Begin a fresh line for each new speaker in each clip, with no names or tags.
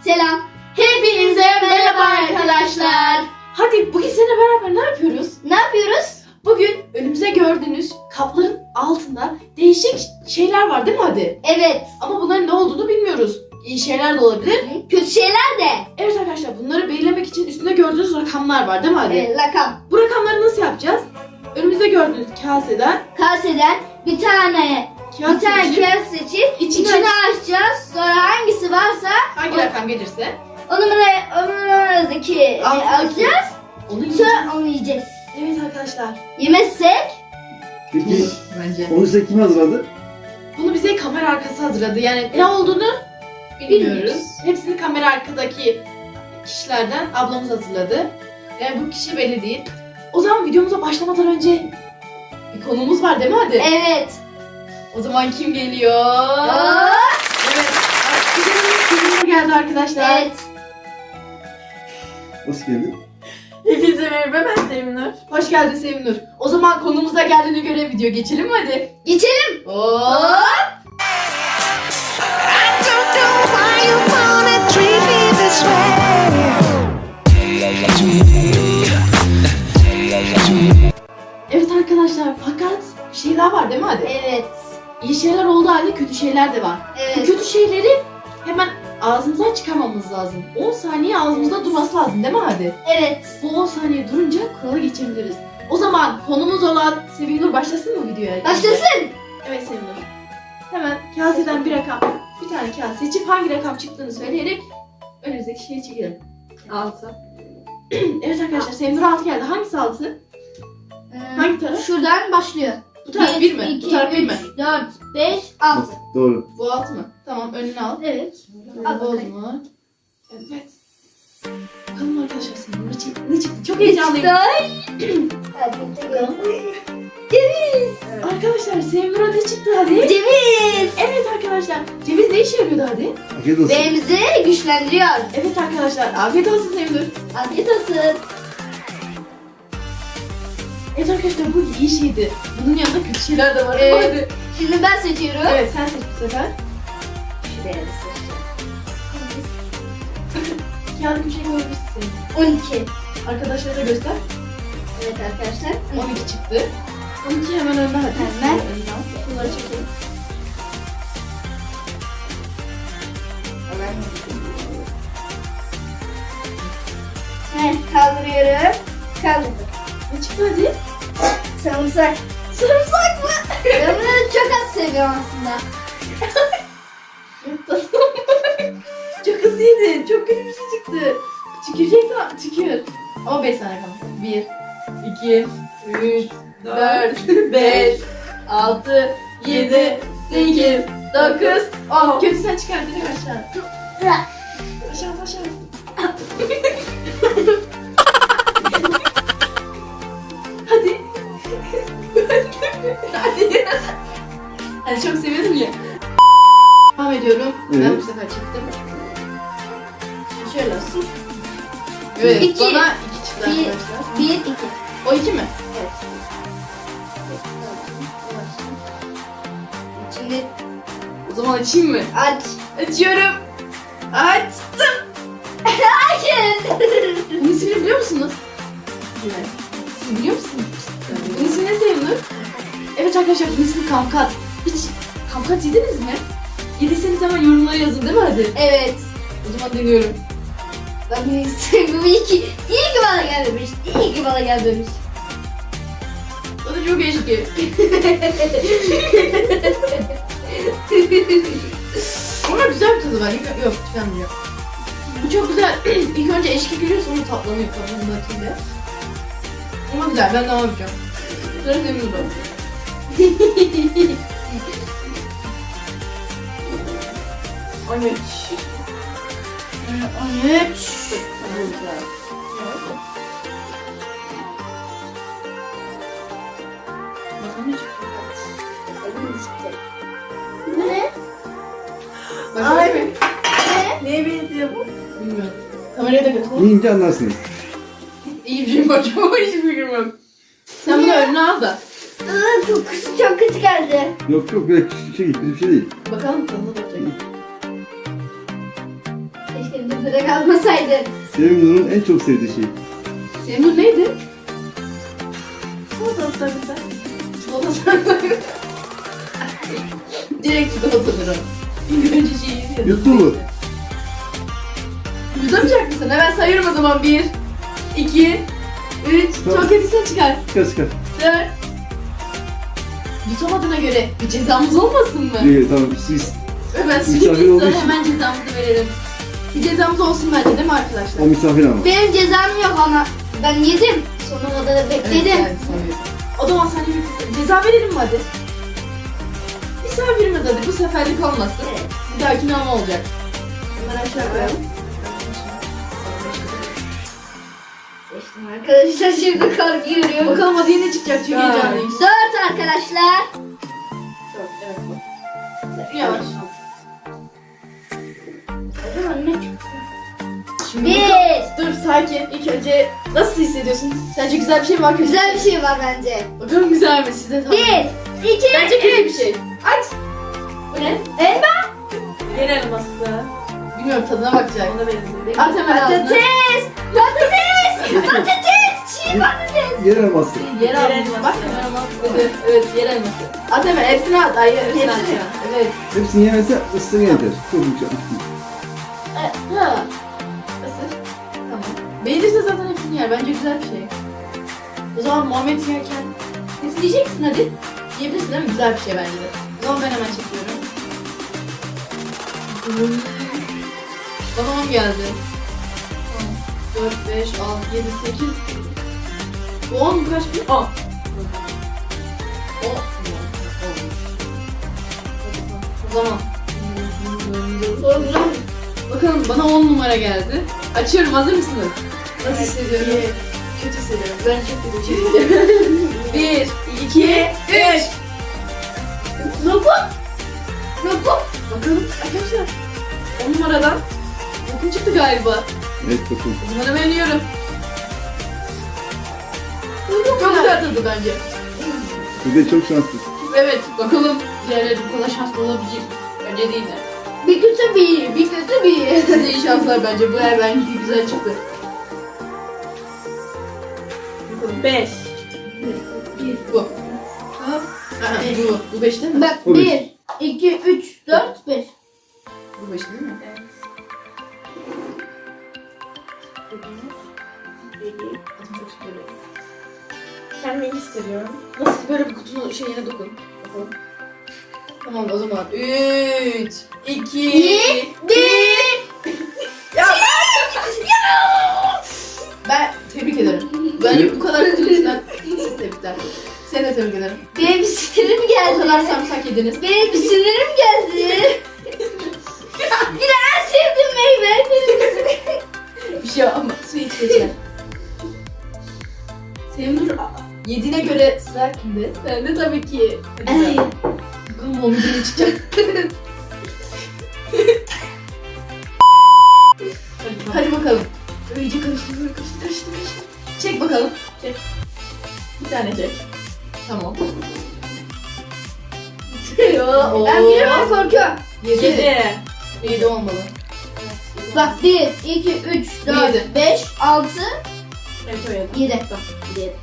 Selam.
Hepinize merhaba arkadaşlar. Hadi bugün seninle beraber ne yapıyoruz?
Ne yapıyoruz?
Bugün önümüze gördüğünüz kapların altında değişik şeyler var değil mi hadi?
Evet.
Ama bunların ne olduğunu bilmiyoruz. İyi şeyler de olabilir.
Kötü şeyler de.
Evet arkadaşlar, bunları belirlemek için üstünde gördüğünüz rakamlar var değil mi hadi?
Rakam.
Bu rakamları nasıl yapacağız? Önümüzde gördüğünüz kaseden
Kaseden bir tane
kağıt seçip
kağıt seçip
içini
içini açacağız. Sonra hangisi varsa
hangi rakam gelirse
o numaradaki
Alttaki.
alacağız.
onu yiyeceğiz.
Sonra onu yiyeceğiz.
Evet arkadaşlar.
Yemezsek
Peki
Bence.
onu size kim hazırladı?
Bunu bize kamera arkası hazırladı. Yani ne olduğunu bilmiyoruz. Hepsini kamera arkadaki kişilerden ablamız hazırladı. Yani bu kişi belli değil. O zaman videomuza başlamadan önce bir konumuz var değil mi hadi?
evet.
O zaman kim geliyor? Evet. Videomuz sonuna geldi arkadaşlar.
Evet.
Nasıl geldi?
Hepinize merhaba, ben Sevinur.
Hoş geldin Sevinur. O zaman konumuza geldiğine göre video geçelim mi hadi?
Geçelim.
Hop.
I don't know why you wanna treat me this way.
Evet arkadaşlar, fakat bir şey daha var değil mi hadi?
Evet.
İyi şeyler olduğu halde kötü şeyler de var. Bu
Evet.
kötü şeyleri hemen ağzımızdan çıkarmamız lazım. 10 saniye ağzımızda durması lazım değil mi hadi?
Evet.
Bu 10 saniye durunca kurala geçebiliriz. O zaman konumuz olan Sevinur başlasın mı videoya?
Başlasın.
Evet Sevinur. Hemen kaseden bir rakam, bir tane kase seçip hangi rakam çıktığını söyleyerek önümüzdeki şeyi çekelim.
6.
Evet arkadaşlar, Sevinur 6 geldi. Hangisi 6? Hangi taraf?
Şuradan başlıyor.
Bu taraf 1 mi? Bu taraf 1 mi?
4, 5, 6.
Doğru.
Bu 6 mı? Tamam, önüne al.
Evet.
Bu
Al
oldu
bakalım.
mu? Evet. Bakalım arkadaşlar Sevinur ne çıktı? Çok heyecanlıyım. Bakalım.
Ceviz.
Arkadaşlar Sevinur'a ne çıktı hadi?
Ceviz.
Evet arkadaşlar. Ceviz ne işe yarıyordu hadi?
Afiyet olsun.
Beynimizi güçlendiriyor.
Evet arkadaşlar. Afiyet olsun Sevinur.
Afiyet olsun.
Evet arkadaşlar, bu iyi şeydi. Bunun yanında kötü şeyler de var.
Evet.
Hadi.
Şimdi ben seçiyorum.
Evet, sen seç bu sefer.
Şuraya da seçeceğim.
Kağıdı köşeye koyabilirsin Sevinur.
12.
Arkadaşlara da göster.
Evet arkadaşlar.
12 çıktı. 12 hemen önde hadi.
Hemen.
Önüne al. Şunları çekelim.
Evet, kaldırıyorum. Kaldırdım.
Ne çıktı hadi?
Sarımsak. Sarımsak mı? Ben bunları çok az seviyorum aslında.
Çok hızlıydın. Çok kötü bir şey çıktı. Tüküreceksin ama tükür. Ama 5 saniye kaldı. 1, 2, 3, 4, 5, 6, 7, 8, 9, 10. Kötü sen çıkar direkt aşağı. Aşağı aşağı. Hadi. Hadi. Hani çok seviyordum ya. Devam ediyorum. Ben
Evet.
bu sefer çıktım. Şöyle olsun. Evet,
İki.
bana 2 çıktı
Bir.
arkadaşlar.
1, 2.
O 2 mi?
Evet. Şimdi
O zaman açayım mı?
aç.
Açıyorum. Açtım.
Hayır.
Bunun ismini biliyor musunuz? Evet. Siz biliyor musunuz? Bunun ismi ne Sevinur? Evet arkadaşlar, bunun ismi kamkat. Hiç kamkat yediniz mi? Yediyseniz hemen yorumlara yazın değil mi hadi?
Evet.
O zaman deniyorum.
Ben bunu istemiyorum. İyi ki bana gelmemiş. İyi ki bana gelmemiş.
O da çok eşki. Ama güzel bir tadı var. Yok, tükenmiyor. Bu çok güzel. İlk önce eşki geliyor, sonra tatlanıyor kabuğunun atıyla. Ama güzel, ben devam edeceğim. Sıra Sevinur'da. 13. 13.
Ne?
Başka mı?
Neye benziyor bu?
Bilmiyorum. Kameraya da götür.
Yiyince anlarsınız.
İyi bir şey bakıyorum ama hiç fikrim yok. Sen bunu önüne al da.
Kokusu çok kötü geldi.
Yok yok, böyle küçük bir şey değil. Kötü bir şey değil.
Bakalım tadına bakacak.
Keşke bir direkt almasaydın.
Sevimli'nin en çok sevdiği şey.
Senin neydi?
Çikolatalı sarımsak.
Çikolata sarmayı. Direkt çikolatadır o. İlk önce şeyi yedim.
Yuttun mu?
Yutamayacak mısın? Hemen sayıyorum o zaman. 1, 2, 3.
Tamam.
Çok kötüyse çıkar.
Çıkar çıkar.
4. Yutamadığına göre bir cezamız olmasın mı?
İyi tamam siz.
Hemen
Misafir
sürekli
olduğu
sonra
için.
hemen cezamızı verelim. Bir cezamız olsun bence değil mi
O
arkadaşlar?
misafir ama.
Benim cezam yok ama ben yedim. Sonuna kadar bekledim.
Evet, sanıyorum. O zaman sana bir ceza verelim mi hadi? Misafirimiz hadi bu seferlik olmasın.
Evet.
Bir dahakine ama olacak. Bunları aşağı koyalım.
Seçtim arkadaşlar, şimdi korkuyorum.
Bakalım hadi ne çıkacak, çok
Dört.
heyecanlıyım.
4 arkadaşlar.
Evet bak. Yavaş.
Acaba ne çıktı?
Şimdi
1.
dur sakin. İlk önce nasıl hissediyorsun? Sence güzel bir şey mi var kötü?
Güzel bir şey var bence.
Bakalım güzel mi size?
1, 2,
Bence kötü
3.
bir şey. Aç. Bu ne?
Elma.
Yer elması.
Bilmiyorum tadına bakacak.
Ona benziyor.
At hemen ağzına.
Patates. Patates. Patates. Çiğ patates.
Yer elması.
Yer elması. Bak yer elması. Evet yer elması. At hemen hepsini at. Ay hepsini at.
Hepsini.
Evet.
Hepsini yemezse ısırgan yeter. Çok yumuşak.
Ha. Isır. Tamam. Beğenirse zaten hepsini yer. Bence güzel bir şey. O zaman Muhammed yerken hepsini yiyeceksin hadi. Yiyebilirsin değil mi? Güzel bir şey bence de. O zaman ben hemen çekiyorum. Babam geldi. 4, 5, 6, 7, 8. Bu 10 kaç bir? 10. O zaman. Bakalım bana 10 numara geldi. Açıyorum, hazır mısınız? Nasıl hissediyorum? Kötü hissediyorum. Ben çok kötü hissediyorum. 1, 2, 3. Lokum. Lokum. Bakalım arkadaşlar. 10 numaradan lokum çıktı galiba.
Evet bakın.
O zaman hemen yiyorum. Çok güzel tadı bence.
Bu da çok şanslısın.
Evet, bakalım diğerleri bu kadar şanslı olabilecek mi? Bence değil de.
Bir kötü bir iyi, bir kötü bir iyi.
Size iyi şanslar bence. Bu yer bence güzel çıktı.
5.
Bu. Ha, bu. Bu 5 değil mi?
Bak
O
1, 2, 3, 4, 5.
Bu 5 değil mi? Adım çok şükür.
Kendimi hissediyorum.
Nasıl böyle bir kutunun şeyine dokun. Bakalım. Tamam o zaman 3, 2,
1.
Ben tebrik ederim. Bence bu kadar kötülükten tebrikler. Seni de tebrik ederim.
Benim bir sinirim
O kadar
geldi.
sarımsak yediniz.
Benim bir sinirim geldi. Yine en sevdiğim meyve.
Bir şey ama su iç geçer. Senin dur yediğine göre sıra kimde? Ben de tabii ki. Hadi
Ay.
bakalım. Bakalım o müziğine çıkacak. Hadi bakalım. İyice karıştır, böyle karıştır. Çek bakalım. Çek. Bir tane çek. Tamam. Oo.
Ben bilemem, korkuyorum.
7.
7.
7 olmalı.
Bak 1, 2, 3, 4,
Yedi.
5, 6,
Evet o 7.
7. 7.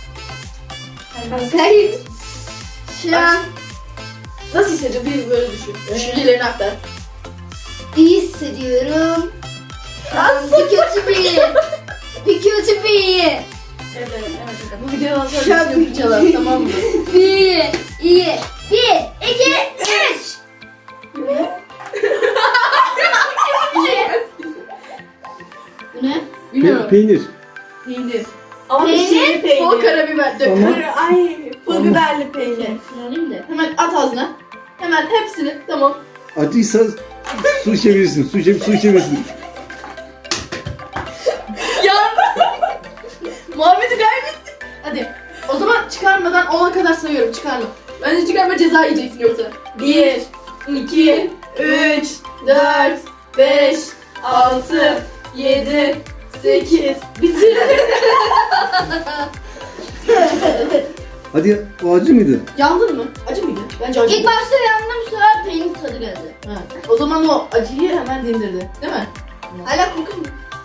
Hayır. Şu an
Nasıl hissediyorsun? Bir böyle düşün. Düşüncelerini aktar.
iyi hissediyorum. Bir kötü bir iyi. Bir kötü bir iyi.
Evet evet.
Bu videodan sonra
Şap.
bir fırçalar, tamam mı?
Bir, iyi. 1, 2, 3. Bu ne?
Bilmiyorum.
Peynir.
Peynir.
Ama bir şey peynir.
Bol karabiber dök.
Tamam.
Ay pul biberli peynir.
Şunu alayım da.
Hemen at ağzına. Hemen hepsini. Tamam.
Acıysa su içebilirsin. Su içebilirsin.
Ya. Muhammed'i kaybettim. Hadi. O zaman çıkarmadan 10'a kadar sayıyorum. Çıkarma. Bence çıkarma, ceza yiyeceksin yoksa. 1, 2, 3, 4, 5, 6, 7, 8. Bitir.
Hadi o acı mıydı?
Yandın mı? Acı mıydı? Bence acı.
İlk başta yandım, sonra peynir tadı geldi.
Ha. O zaman o acıyı hemen dindirdi. Değil mi?
Hala kokun.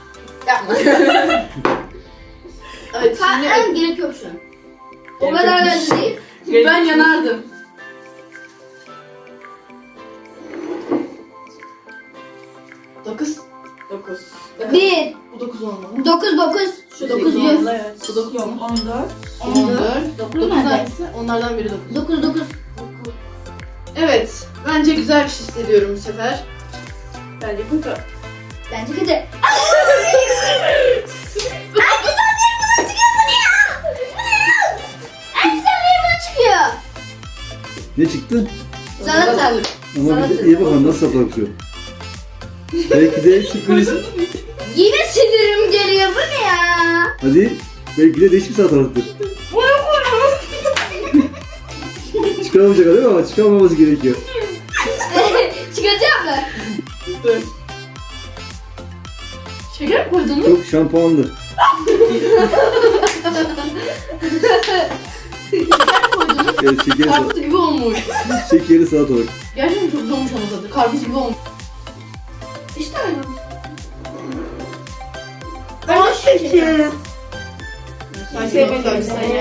Evet şimdi
Kalkmam gerek yok şu an. O kadar da değil.
ben yanardım. Dokuz.
9.
1,
Bu 9 olmalı.
9, 9.
Şu
9,
9
100.
olmalı evet.
Bu 9 olmalı.
14.
14. 9
nerede?
hangisi? Onlardan biri 9.
9, 9.
Evet. Bence güzel bir şey hissediyorum bu sefer.
Bence kötü.
Bence kötü. Ay güzel bir bana çıkıyor bu ne ya? Bu ne ya? Ay güzel bir bana çıkıyor.
Ne çıktı?
Salata.
Ama bir de iyi bakalım nasıl satılıyor. Belki de sürpriz.
Yine sinirim geliyor bu ne ya?
Hadi. Belki de değişik bir salatalıktır. Çıkaramayacak değil mi ama çıkarmaması gerekiyor.
Çıkacak mı?
Dur. Şeker mi koydun mu?
Çok şampuanlı. Evet, şekeri,
Karpuz gibi olmuş.
şekeri salatalık.
Gerçekten çok güzel olmuş ama tadı. Karpuz gibi olmuş.
İşte öyle.
18.
Sen
Sevmedim sen ya.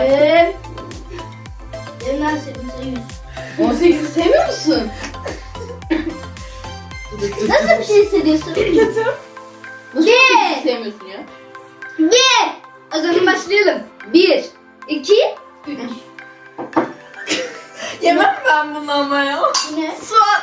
Elimden sevdim 100.
18'i sevmiyor musun?
Nasıl bir şey hissediyorsun?
Kötü.
Nasıl
Bir.
sevmiyorsun ya?
1. O zaman başlayalım. 1, 2, 3.
Yemem ben bunu ama ya.
Bu ne?
Soğan.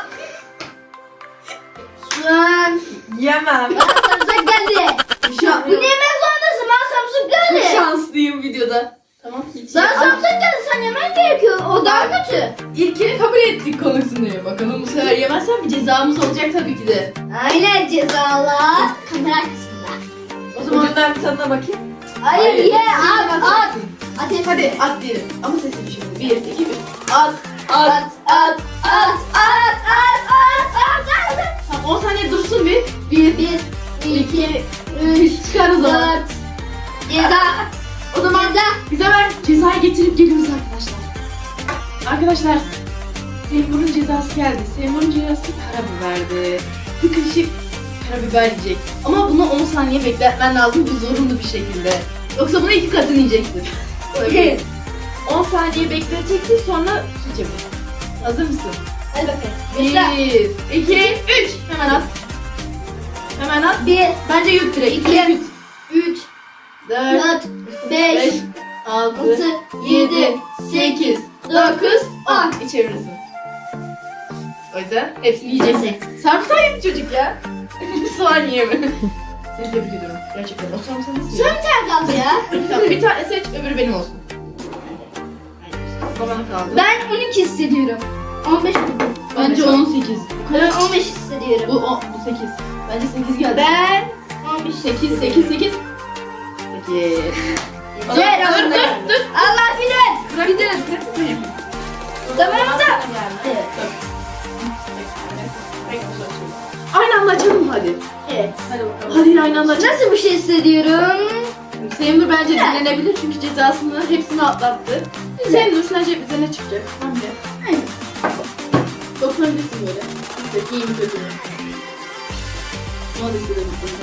Soğan.
Yemem.
Bana samsak geldi. Bu ne yemek zorundasın? Bana samsak
Çok
geldi.
şanslıyım videoda. Tamam hiç.
Bana samsak geldi. Sen yemen gerekiyor. O daha kötü.
İlkini kabul ettik konusunu. Bakalım bu sefer yemezsen bir cezamız olacak tabii ki de.
Aynen cezalar. Kamera arkasında.
O zaman
Ucundan bir tadına bakayım.
Hayır ye
sen
at at.
bakacaksın.
Ateş.
Hadi at diyelim. Ama sesli bir şey. 1, 2, 3. At.
At at at at at at at.
Tamam 10 saniye dursun bir. 1,
1,
2,
3,
3. Çıkar o zaman.
4. Ceza.
O zaman
Ceza.
bize ver cezayı getirip geliyoruz arkadaşlar. Arkadaşlar Seymour'un cezası geldi. Seymour'un cezası karabiberdi. Bir kaşık karabiber yiyecek. Ama bunu 10 saniye bekletmen lazım bu zorunlu bir şekilde. Yoksa bunu 2 katını yiyeceksin. Öyle. 10 saniye bekleteceksin sonra su içeceksin. Hazır mısın?
Hadi bakayım. Başla.
1, 2, 3. Hemen at. Hemen at.
1,
Bence yut direkt.
2, 3,
4,
4, 5,
6,
6,
7, 8, 9, 10. İçebilirsin. O yüzden hepsini yiyeceksin. Sarımsak yedi çocuk ya. Soğan yiyeme. Seni tebrik ediyorum. Gerçekten. O sarımsağı nasıl
Son
yiyor?
bir tane kaldı ya.
Tamam, bir tane seç, öbürü benim olsun. Babana kaldı.
Ben 12 hissediyorum. 15 buldum.
Bence 18.
Ben 15 hissediyorum.
Bu 8. Bence 8 geldi.
Ben 15
8, 8, 8. 8.
Yeter
Dur,
aslında.
dur, dur.
Allah bilir.
Bırak, bırak.
Zamanında. Evet.
Aynı anda açalım mı hadi?
Evet.
Hadi bakalım. Hadi aynı anda açalım.
Nasıl bir şey hissediyorum?
Seymur bence dinlenebilir çünkü cezasını hepsini atlattı. Seymur sence bize ne çıkacak? Bence.
Aynen.
Dokunabilirsin böyle. Peki iyi mi kötü mü? Ona da hissedebilirsin.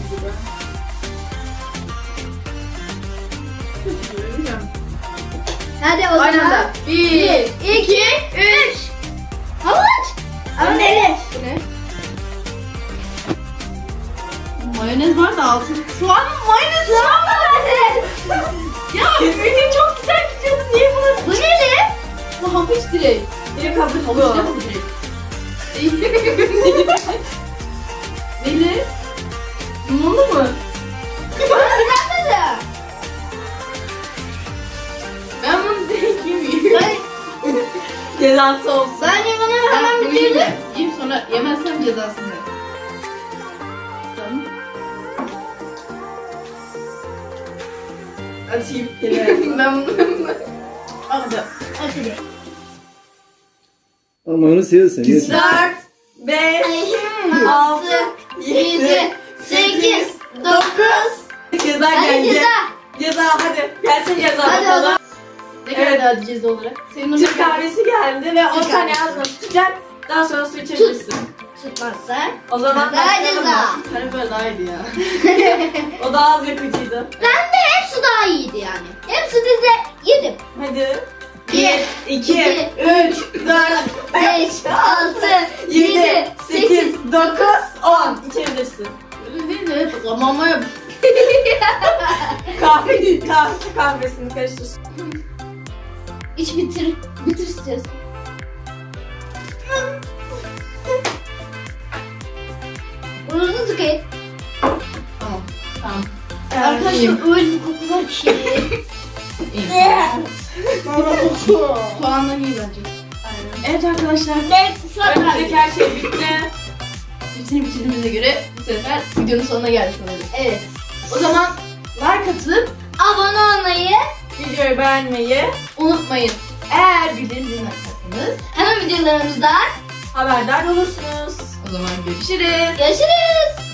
Hadi o
Aynı
zaman.
anda. 1,
2, 3. Havuç. Ama ne?
Bu ne? Mayonez var da altın. Soğan mı? Mayonez soğan mı? Ya benim çok güzel gidiyordu. Niye bunu?
Bu ne?
Bu havuç direkt.
Biri kabuk
Havuç
bu.
ne bu direkt? Neli? Limonlu mu?
Güzel.
Ben bunu direkt yemeyeyim.
Ben,
Cezası olsun.
ben limonu hemen
bunu yiyeyim
bitirdim.
de. Yiyeyim sonra yemezsem cezasını. Tamam.
Açayım.
Ben bunu...
Hadi.
Hadi.
Ama onu seviyorsun. Yesin.
4, 5,
6, 7,
7,
8, 9.
Ceza
Hadi
geldi.
ceza.
Ceza hadi. Gelsin ceza
Hadi o
bakalım.
zaman.
Ne kadar daha ceza olarak? Senin
Türk kahvesi geldi ve 10
Türk
saniye
kahvesi.
ağzına tutacak. Daha sonra su içebilirsin.
tutmazsa
O zaman
daha
başlayalım
ceza.
mı?
Karabiber daha iyiydi ya.
O daha az yakıcıydı.
Bende hepsi daha iyiydi yani. Hepsini de yedim.
Hadi.
1,
2,
2,
3, 4,
5, 6,
7, 8, 9, 10. İçebilirsin.
Öyle değil de hep zamanla yap.
Kahvesini karıştır.
İç bitir. Bitir istiyorsun. Burnunuzu tıkayın.
Tamam. Tamam.
Arkadaşlar öyle bir koku var ki.
Soğandan iyi bence. Evet arkadaşlar.
Önümüzdeki her şey bitti.
Hepsini bitirdiğimize göre bu sefer videonun sonuna geldik oluruz.
Evet.
O zaman like atıp
Abone olmayı
Videoyu beğenmeyi,
unutmayın. Eğer bildirim zilini açarsanız
hemen videolarımızdan
haberdar olursunuz.
o zaman görüşürüz.
görüşürüz.